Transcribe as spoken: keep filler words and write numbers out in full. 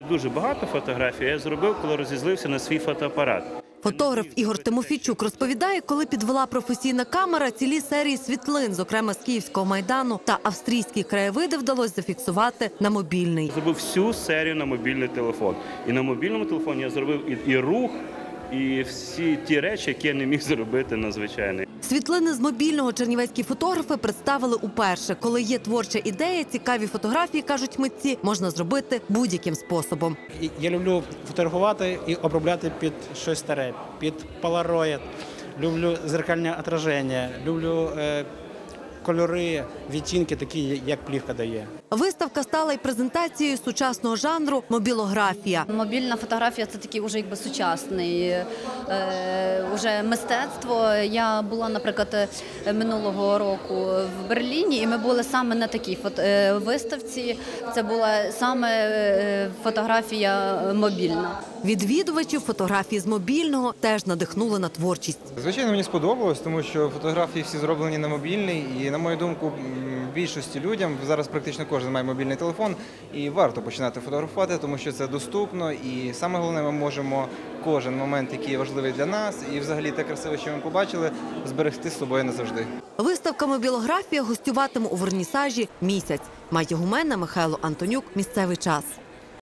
Дуже багато фотографій я зробив, коли розізлився на свій фотоапарат. Фотограф Ігор Тимофійчук розповідає, коли підвела професійна камера, цілі серії світлин, зокрема з Київського Майдану та австрійські краєвиди, вдалося зафіксувати на мобільний. Зробив всю серію на мобільний телефон. І на мобільному телефоні я зробив і, і рух, і всі ті речі, які я не міг зробити на звичайний. Світлини з мобільного чернівецькі фотографи представили уперше. Коли є творча ідея, цікаві фотографії, кажуть митці, можна зробити будь-яким способом. Я люблю фотографувати і обробляти під щось старе, під полароїд. Люблю зеркальне відображення, люблю е, кольори, відтінки такі, як плівка дає. Виставка стала й презентацією сучасного жанру мобілографія. Мобільна фотографія – це такий уже якби сучасний е, уже мистецтво. Я була, наприклад, минулого року в Берліні, і ми були саме на такій фото, е, виставці. Це була саме е, фотографія мобільна. Відвідувачів фотографії з мобільного теж надихнули на творчість. Звичайно, мені сподобалось, тому що фотографії всі зроблені на мобільний. І, на мою думку, більшості людям зараз практично кожен має мобільний телефон. І варто починати фотографувати, тому що це доступно. І саме головне, ми можемо кожен момент, який важливий для нас, і взагалі те красиве, що ми побачили, зберегти з собою назавжди. Виставка «Мобілографія» гостюватиме у вернісажі місяць. Майя Гумена, Михайло Антонюк. Місцевий час.